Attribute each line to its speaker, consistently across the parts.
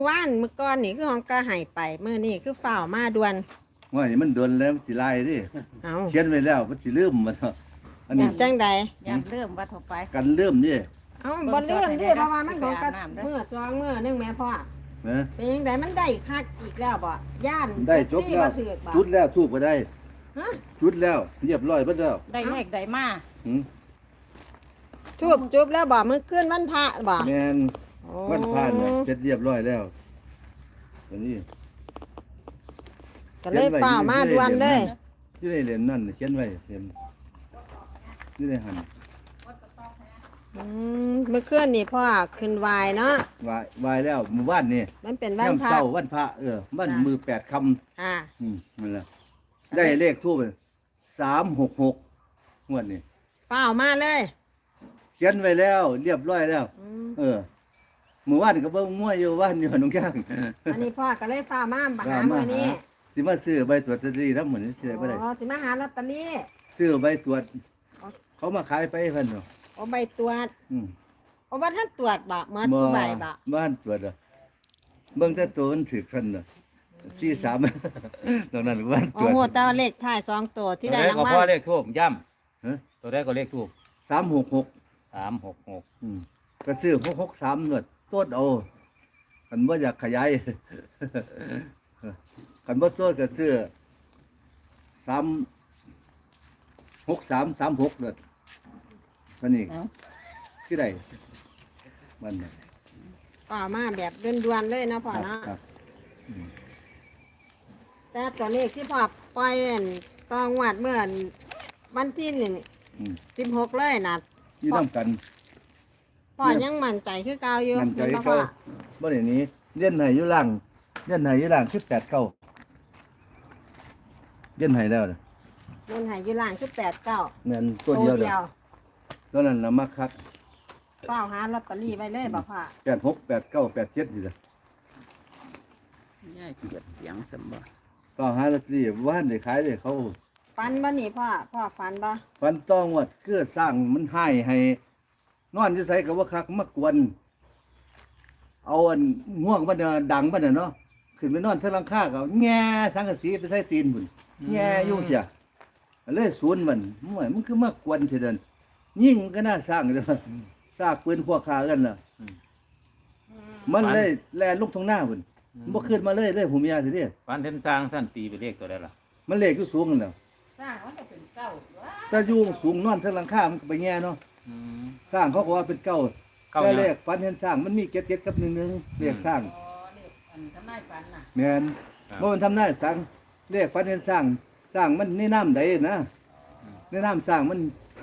Speaker 1: ว่านเมื่อก่อนนี่คือของกาหายไปเมื่อนี่คือฝ่าวมาด่วน
Speaker 2: ว่านี่มันโดนแล้วมันสิลายดิ
Speaker 1: เอา
Speaker 2: เขียนไว้แล้วมันสิลืมมันเนาะอัน
Speaker 1: แบ
Speaker 2: นี้
Speaker 1: บจังใด
Speaker 3: อยากเริ่มว่าถกไป
Speaker 2: กันลืมดิ
Speaker 1: เอาบอลเลื่อนดิเพราะว่ามันของกะ
Speaker 3: ไปอาบน้ำเด้อ
Speaker 1: เมื่อจองเมื่อนึงแม่พ่อ
Speaker 2: นะ
Speaker 1: เป็นยังไงมันได้คักอีกแล้วบ่ย่าน
Speaker 2: ได้จบ
Speaker 1: ซี่
Speaker 2: แล้ว
Speaker 1: บ่ถือกบ่
Speaker 2: จุดแล้วทูบก็ได้
Speaker 1: ฮะ
Speaker 2: จุดแล้วเรียบร้อยเบิดแล้ว
Speaker 3: ได้เลขได้มา
Speaker 2: หืม
Speaker 1: ทูบจุบแล้วบ่มื้อคืนวันพระบ่
Speaker 2: แม่น
Speaker 1: โอ้
Speaker 2: วันผ่านเนี่ยเสร็จเรียบร้อยแล้วอันนี้
Speaker 1: ก็เลยฝ่าวมาด่วนเลย
Speaker 2: ที่ได้เรียนนั่นเขียนไว้เห็นที่ได้หัน
Speaker 1: เมื่อคืนนี่พ่อขึ้นวายเนาะ
Speaker 2: วายแล้วมื้อวานนี่
Speaker 1: มันเป็นวันพระ
Speaker 2: เช้าวันพระวัน
Speaker 1: จ้ะ
Speaker 2: มือ8ค่ำ
Speaker 1: อ่า
Speaker 2: นั่นแหละได้เลขทูบ366งวดนี้
Speaker 1: ฝ่าวมาเลย
Speaker 2: เขียนไว้แล้ว เรียบร้อยแล้ว
Speaker 1: อืม
Speaker 2: เมื่อวานก็เบิ่งมวยอยู่ว่านอยู่น้องย่าง
Speaker 1: อันนี้พ่อก็เลยฝ่าวมาหามื้อนี้
Speaker 2: สิมาซื้อใบตรวจลอตเตอรี่นำหมื้อนี้สิได้บ่ได้
Speaker 1: อ๋อสิมาหาลอตเตอรี่
Speaker 2: ซื้อใบตรวจ เขามาขายไปเพิ่นเนาะ
Speaker 1: เอาใบตรวจ
Speaker 2: อืม
Speaker 1: เอาว่าท่านตรวจบ่เมื่อทุกใบบ่
Speaker 2: บ้านตรวจอ่ะเบิ่งแต่ตัวมันถูกซั่นน่ะ43 ตอนนั้นบ้านต
Speaker 1: โอ้
Speaker 2: รวจ
Speaker 1: โหแต่ว่าเลขท้าย2ตัวที่ได้ราง
Speaker 4: ตัว
Speaker 1: วั
Speaker 4: ใดก็พ่อ
Speaker 1: ล
Speaker 4: เลขทูบย่
Speaker 2: ฮะ
Speaker 4: ำตัวใดก็เลขทูบ
Speaker 2: 366
Speaker 4: 366
Speaker 2: อืมก็ซื้อ663นวดโตดเอาคันบ่อยากขยาย คันบ่โตดก็ซื้อ36336นวดเท่านี้
Speaker 3: เอ้า
Speaker 2: คือได้มันน่ะ
Speaker 1: ป่ามาแบบด่วนๆเลยเนาะพ่อเนาะ
Speaker 2: ครับอืม
Speaker 1: แต่ตัวเลขที่พ่อปล่อยอั่นตองวัดเมื่อวันที่
Speaker 2: อืม
Speaker 1: 16เลยนะ
Speaker 2: อยู่นํกัน
Speaker 1: พ่อยังมั่นใจคือเก่าอยู่
Speaker 2: มันใจ
Speaker 1: เห็นบ่
Speaker 2: เขา
Speaker 1: พ่อ
Speaker 2: บ่ได้หนี้เลียนให้อยู่ล่างเลียนให้อยู่ล่าง18เก้าเลียนให้แล้วน่ะ
Speaker 1: เงินใหายอยู่ล่างคือ89
Speaker 2: แม่นตัวเดียวเด้อตอนนั้นน่ะมักคัก
Speaker 1: เฝ้าหาลอตเตอรี่ไว้เลยบ่พ่อ
Speaker 2: 86 89 87นี่ล่ะ
Speaker 3: ย่ายเกียดเสียงสมบัติ
Speaker 2: ก็หาลอตเตอรี่บ่ทันได้ขายเลยเขา
Speaker 1: ฟันบ่นี่พ่อฟันบ่
Speaker 2: ฟันต้องว่าคือสร้างมันให้นอนอยู่ไสก็บ่คักมากวนเอาอันง่วงมันน่ะดังมันน่ะเนาะขึ้นไปนอนเทิงหลังคาก็แง่สังกะสีไปใส่ตีนพุ่นแง่อยู่เสียเลยสวนมันมันคือมากวนเถิดนั่นยิ่งก็น่าสร้างเด้อซากปืนพวกขากันล่ะมันเลยแล่นลงทางหน้าพุ่นบ่ขึ้นมาเลยผมยาสิเด้
Speaker 4: ฟันเทนสร้างสั้นตีไปเลขตัวใดล่ะ
Speaker 2: มันเลขอยู่สูงนั่นแหล้ว
Speaker 3: สร้างมันจะเป็นเก้าว้า
Speaker 2: ถ้าอยู่สูงนอนเทิงหลังคามันก็ไปแง่เนาะ
Speaker 4: อืม
Speaker 2: สร้างเขาก็ว่าเป็นเก้า
Speaker 4: เก้า
Speaker 2: แต่
Speaker 4: หยัง
Speaker 2: เลขฝันเห็นสร้างมันมีเก็ดกับ1เลขสร้าง
Speaker 3: อ๋อเลขอันทำนายฝันน่ะ
Speaker 2: แม่น
Speaker 4: ครับ
Speaker 2: บ่มันทำได้สร้างเลขฝันเห็นสร้างมันในน้ำใดนะในน้ำสร้างมัน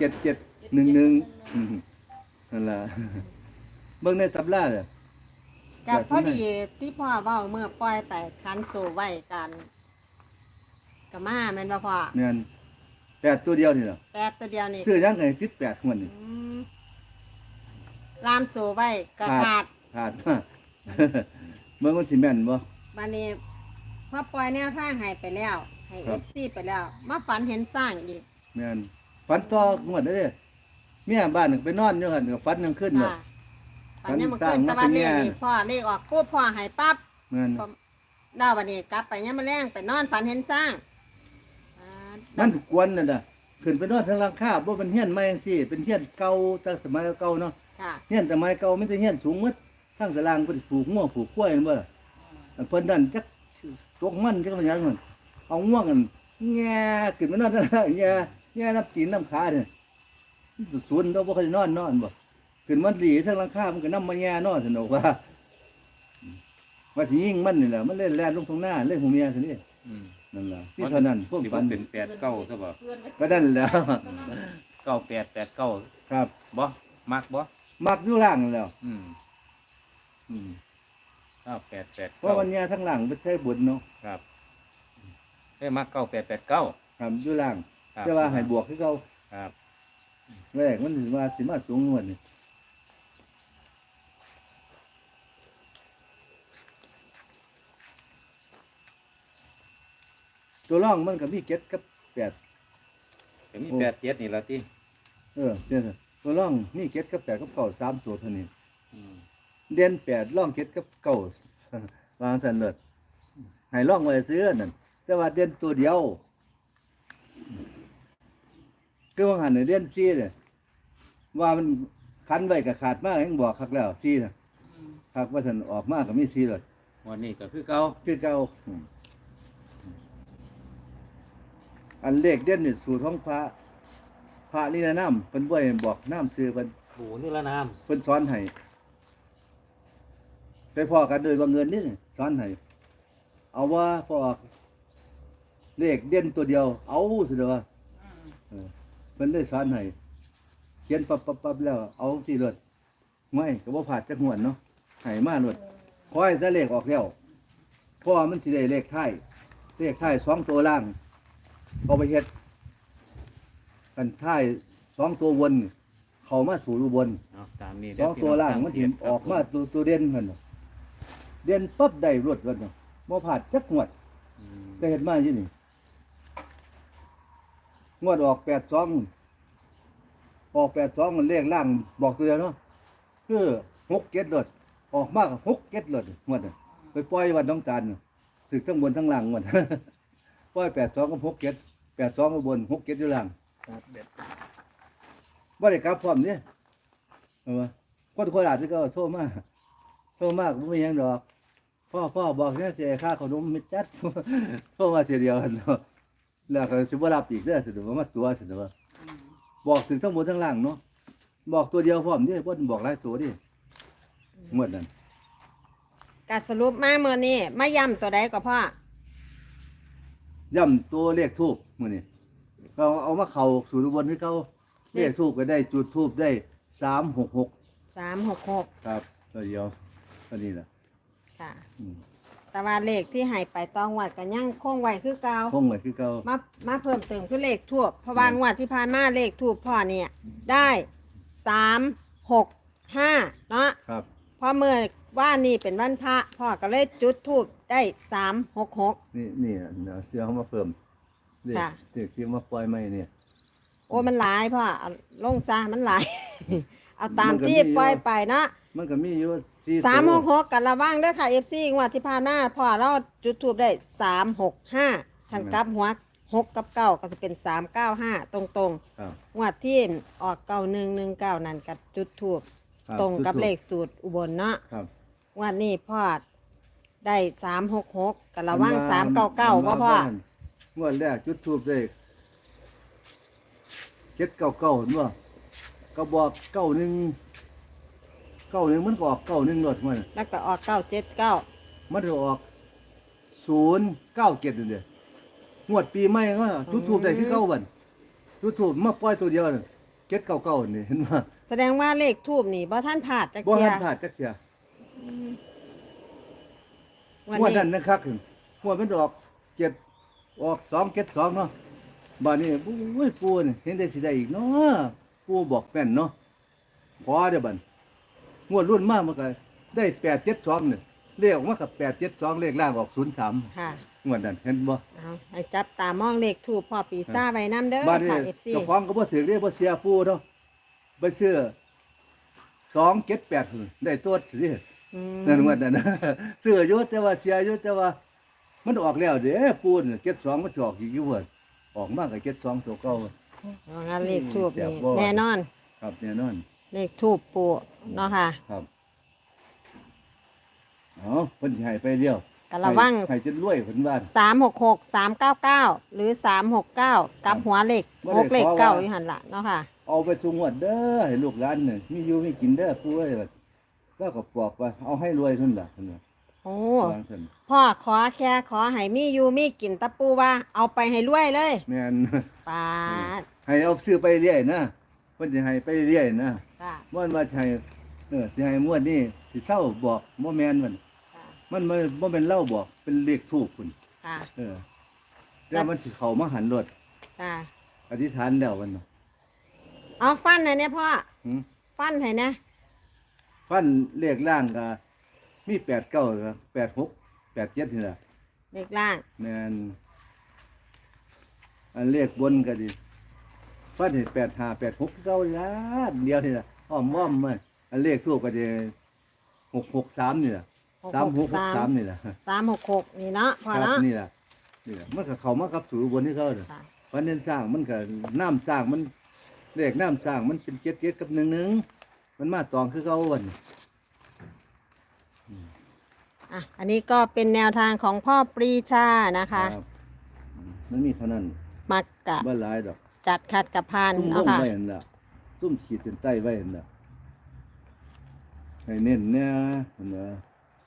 Speaker 2: 7711นั่นล่ะ เบิ่งในตำราเด้อ
Speaker 1: กับพอดีที่พ่อเว้าเมื่อปล่อยไปคันโซไว้กันก็มาแม่นบ่พ่อ
Speaker 2: แม่น8ตัวเดียวนี่ล่ะ
Speaker 1: 8ตัวเดียวนี่
Speaker 2: ซื้อยังไงติด8ของมันนี่
Speaker 1: อืมลามโซไว้ก็ขาด
Speaker 2: ขาด เบิ่งมันสิแม่นบ่
Speaker 1: บัดนี้พอปล่อยแนวทางให้ไปแล้ว ให้
Speaker 2: ครับ
Speaker 1: FC ไปแล้ว มาฝันเห็นสร้างอีก
Speaker 2: แม่นฝันต่องวดเด้อเมียบ้านนึงไปนอนอยู่หั่นก็ฝันยังขึ้นเนาะ
Speaker 1: ค่ะฝันยังบ่
Speaker 2: ฝั
Speaker 1: ขึ้
Speaker 2: น
Speaker 1: น
Speaker 2: สร้าง
Speaker 1: แต่ว่า
Speaker 2: มาเป็น
Speaker 1: เล
Speaker 2: แง่
Speaker 1: ขนี่พ่อเลขออกปุ๊บพ่อให้ปั๊บ
Speaker 2: แม่น
Speaker 1: ดาววันนี้กลับไปยังมาแรงไปนอนฝันเห็นสร้างอ่า
Speaker 2: มันกวนนั่นน่ะขึ้นไปนอนทางหลังคาบ่เป็นเฮียนใหม่จังซี่เป็นเฮียนเก่าแต่สมัยเก่าเนาะ
Speaker 1: ค่ะ
Speaker 2: เฮียนสมัยเก่ามันจะเฮียนสูงหมดทางตารางเพิ่นปลูกงัวปลูกกล้วยนั่นบ่ล่ะอันเพิ่นนั่นจักตกมันจักมันหยังนั่นเอาง่วงกันแง่ขึ้นไปนอนทางล่างแง่น้ำตีนน้ำขาเนี่ยสวนเราบ่เคยนอนบ่ขึ้นมันหลีทางหลังคามันก็นำมาแง่นอนซั่นดอกว่าว่าสิยิงมันนี่แหละมันเล่นแล่นลงตรงหน้าเล่นหูเมียซั่นนี่
Speaker 4: อืม
Speaker 2: นั่นล่ะที่เท่านั้นพวก
Speaker 4: สิ
Speaker 2: ฝั
Speaker 4: ว่าน เป็น8 9ซะบ่
Speaker 3: เพื่อนก็
Speaker 2: ก็นั่นแหล้ว
Speaker 4: 9889
Speaker 2: ครับ
Speaker 4: บ่มักบ่
Speaker 2: มักอยู่ล่างนั่นแหล้ว
Speaker 4: อืม
Speaker 2: อืม
Speaker 4: 9889
Speaker 2: เพราะวันเนี้ยทั้งหลังไปใช้บุญเนาะ
Speaker 4: ครับเอ้ยมัก9889
Speaker 2: ครับอยู่ล่าง
Speaker 4: ครับ
Speaker 2: แต่ว่าให้บวกคือเขา
Speaker 4: ครับ
Speaker 2: แรกมันสิมาสูงงวดนี่ตัวร่องมันก็มีเจ็ดกับ8
Speaker 4: ก็มี87นี่ล่ะติ
Speaker 2: เนี่ยตัวร่องมีเจ็ดกับ8กับ9 3ตัวเท่านี้
Speaker 4: อืม
Speaker 2: เด่น8ร่อง7กับ9 วางสันเลิศให้ล่องไว้ซื้อนั่นแต่ว่าเด่นตัวเดียวคือว่าหันในเด่นซีเนี่ยว่ามันคันไว้กับขาดมากยังบอกคักแล้วซีนะคักว่าสันออกมากกับมีซีเลย
Speaker 4: วันนี้ก็คือเก่า
Speaker 2: คือเก่าอันเลขเด่นนี่สูตรของพระนี่นะน้ำเป็นบ่อยบอกน้ำซื้อเป็น
Speaker 4: โอ้นี่ละน้
Speaker 2: เพิ่นสอนให้ไปพ่อกันโดยบังเอิญนี่สอนให้เอาว่าพอออกเลขเด่นตัวเดียว เอาสิเด้อว่าเพิ่นเลยสอนให้เขียนปั๊บแล้วเอาสิโลดไม่ก็บ่พลาดจักหวนเนาะให้มาโลดขอให้แต่เลขออกแล้วเพราะว่ามันสิได้เลขท้าย2ตัวล่างเอาไปเฮ็ดกันท้าย2ตัวบนเข้ามาสู่รูบน
Speaker 4: ำเอาตามนี้
Speaker 2: สองตัวล่างมันถิ่มออกมาตัวเด่นมันน่ะเด่นปั๊บได้รวดกันเนาะบ่ผาดจักงวดได้เห็นมาอยู่นี่งวดออก82มันเลขล่างบอกตัวเดียวเนาะคือ6 7รถออกมาก็6 7รถงวดน่ะไปปล่อยวันน้องตาลน่ะถึกทั้งบนทั้งล่างงวด ปล่อย82กับ6 7 82ก็บน6 7อยู่ล่าง
Speaker 4: ครับเด็ด
Speaker 2: บ่ได้กลับพร้อมนี่ว่าคนโคราชนี่ก็โทรมาบ่มีหยังดอกพ่อบอกเนี่ยสิค่าขนมมิดจัด โทรมาเทียเดียวเนาะแล้วก็สิบ่รับอีกเด้อสิว่ามาตัวสิว่าบอกถึงทั้งหมดทั้งล่างเนาะบอกตัวเดียวพร้อมนี่บ่บอกหลายตัวดิหมดนั่น
Speaker 1: การสรุปมาเมื่อนี้มาย้ำตัวใดก็พ่อ
Speaker 2: ย่ำตัวเลขทูบมื้อนี้ก็เอามาเข้าสู่อุบลคือเก่าเลขทูบก็ได้จุดทูบได้366
Speaker 1: 366
Speaker 2: ครับตัวเดียวตัวนี้ล่ะ
Speaker 1: ค่ะ
Speaker 2: อืม
Speaker 1: แต่ว่าเลขที่ให้ไปตองวัดก็ยังคงไว้คือเก่า
Speaker 2: คงไว้คือเก่า
Speaker 1: มาเพิ่มเติมคือเลขทูบเพราะว่างวดที่ผ่านมาเลขทูบพ่อเนี่ยได้365เนาะ
Speaker 2: ครับ
Speaker 1: เพราะเมื่อว่านี่เป็นวันพระพ่อก็เลยจุดทูบได้366
Speaker 2: นี่เดี๋ยวเสื้อเขามาเพิ่มเด็ก
Speaker 1: ค่ะ
Speaker 2: เด็กที่มาปล่อยไม่เนี่ย
Speaker 1: โอ้มันหลายพ่อเอาลงซะมันหลาย เอาตาม
Speaker 2: มันก็
Speaker 1: ที่
Speaker 2: มีอยู่
Speaker 1: ปล่อยไปเนาะ
Speaker 2: มันก็มีอยู่4
Speaker 1: 366กันระวังเด้อค่ะ FC งวดที่ผ่านมาพ่อเราจุดทูบได้365ทั้งกลับหัว6กับ9ก็จะเป็น395ตรง
Speaker 2: ครับ
Speaker 1: ๆงวดที่ออก9119นั่นกับจุดทูบ
Speaker 2: ครับ
Speaker 1: ตรงกับ
Speaker 2: จุดธูป
Speaker 1: เลขสูตรอุบลเนาะ
Speaker 2: ครับ
Speaker 1: งวันนี้พ่อได้366กันระวัง399ว่าพ่อง
Speaker 2: วดแรกจุดทูบได้799เห็นบ่ก็บอก91มันก็ออก91รถมัน
Speaker 1: แล้วก็ออก979
Speaker 2: มันก็ออก097นั่นเด้งวดปีใหม่ก็จุดทูบได้คือเก่าบัดจุดทูบมาปล่อยตัวเดียวนั่น799นี่เห็นบ่
Speaker 1: แสดงว่าเลขทูบนี่บ่ท่านผ่าดจัก
Speaker 2: บ่
Speaker 1: เที
Speaker 2: ทั
Speaker 1: ย
Speaker 2: นพลาดจักเที่ย
Speaker 1: วัน
Speaker 2: งวด
Speaker 1: นี้
Speaker 2: นั้นนะครับงวดมันออก272เนาะบ้านนี้อุ้ยปูนี่เห็นได้สิได้อีกเนาะปูบอกแม่นเนาะพอเด้อบัดงวดรุ่นมามันก็ได้872นี่เลขออกมากับ872เลขล่างออก03
Speaker 1: ค่ะ
Speaker 2: งวดนั้นเห็นบ่
Speaker 1: เอาให้จับตามองเลขทูบพ่อปีซ่าไว้น้ำเด้อ
Speaker 2: บ้านนี้
Speaker 1: ค่ะ FC
Speaker 2: เจ้าของก็บ่ถือเด้บ่เสียปูเนาะไปซื้อ278ได้ตัวสิ
Speaker 1: อืม
Speaker 2: นั่นงวดนั้น ซื้ออยู่แต่ว่าเสียอยู่แต่ว่ามันออกแล้วเด้ปูน72มันสิออกอีกอยู่เพิ่นออกมาก็72ตัวเก่า
Speaker 1: เอางั้นเลขทูบ
Speaker 2: เสีย
Speaker 1: นี่
Speaker 2: บ่
Speaker 1: แน่นอน
Speaker 2: ครับแน่นอน
Speaker 1: เลขทูบปูเนาะค่ะ
Speaker 2: ครับเอาเพิ่นสิให้ไปเดียว
Speaker 1: กันระวัง
Speaker 2: ให้จนรวยเพิ่นว่า
Speaker 1: 366 399หรือ369กับหัวเลข
Speaker 2: บ่ได้
Speaker 1: 6เลข
Speaker 2: ขอว่า
Speaker 1: เก้าอยู่หั่นล่ะเนาะค่ะ
Speaker 2: เอาไปสู่งวดเด้อให้ลูกหลานน่ะมีอยู่มีกินเด้อปู่เอ้ยว่าแล้วก็บอกว่าเอาให้รวยเท่านั้นล่ะเพิ่นว่า
Speaker 1: โอ้
Speaker 2: วางซั่น
Speaker 1: พ่อขอให้มีอยู่มีกินตะปูว่าเอาไปให้รวยเลย
Speaker 2: แม่น
Speaker 1: ปาด
Speaker 2: ให้เอาซื้อไปเรื่อยนะเพิ่นสิให้ไปเรื่อยนะ
Speaker 1: ค่ะ
Speaker 2: บ่ว่าสิให้สิให้งวดนี้สิเศร้าบอกบ่แม่นมัน
Speaker 1: ค่ะ
Speaker 2: มันบ่แม่นเล่าบอกเป็นเลขทูปพุ่น
Speaker 1: ค่ะ
Speaker 2: แล้วมันสิเข้ามาหันรถ
Speaker 1: ค่ะ
Speaker 2: อธิษฐานแล้วมันน่ะ
Speaker 1: เอาฟันให้เนี่ยพ่อ
Speaker 2: หืม
Speaker 1: ฟันให้นะ
Speaker 2: ฟันเลขล่างก็มี89ก็86 87นี่ล่ะ
Speaker 1: เด็กล่าง
Speaker 2: แม่นอันเลขบนก็ดีฟันเห็น85 86คือเก่าล่ะเดียวนี่ล่ะอ้อมๆมันอันเลขทูปก็ดี663นี่ล่ะ
Speaker 1: 663
Speaker 2: 3-6-6-3นี่ล่ะ
Speaker 1: 366นี่เนาะพ่อ
Speaker 2: ครับ
Speaker 1: เนาะ
Speaker 2: นี่ล่ะมันก็เข้ามากับสูบนที่เขาน่ะ
Speaker 1: ค่ะ
Speaker 2: เพราะเน้นสร้างมันก็น้ำสร้างมันเลขน้ำสร้างมันเป็น7กับ11มันมาตองคือเขาวัน
Speaker 1: อ่ะอันนี้ก็เป็นแนวทางของพ่อปรีชานะคะ
Speaker 2: รับมันมีเท่านั้น
Speaker 1: มักกะ
Speaker 2: บ่หลายดอก
Speaker 1: จัดขัดกับพาน
Speaker 2: ซุ่มล
Speaker 1: เนาะ
Speaker 2: ง
Speaker 1: ค่ะ
Speaker 2: ไว้นั่นล่ะซุ่มขีดเส้นใต้ไว้นั่นล่ะให้เน้นเนี่ยนั่นน่ะ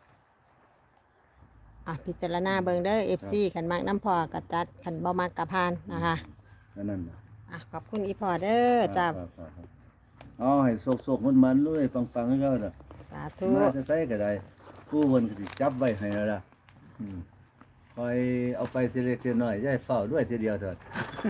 Speaker 1: อ่ะพิจารณาเบิงเด้อ FC ขันมักน้ำพอกับจัดขันบ่มักกับพานนะคะ
Speaker 2: อันนั้นน่ะ
Speaker 1: อ่ะขอบคุณอีพอเด้อจ้า
Speaker 2: ครับเอาให้โศกๆมันๆเลยปังๆให้เขาน่ะ
Speaker 1: สาธุ
Speaker 2: มาจะใส่ก็ได้ผู้เพิ่นก็สิจับไว้ให้แล้วล่ะคอยเอาไปทีเล็กทีน้อยอย่าให้เฝ้าด้วยทีเดียวเถิด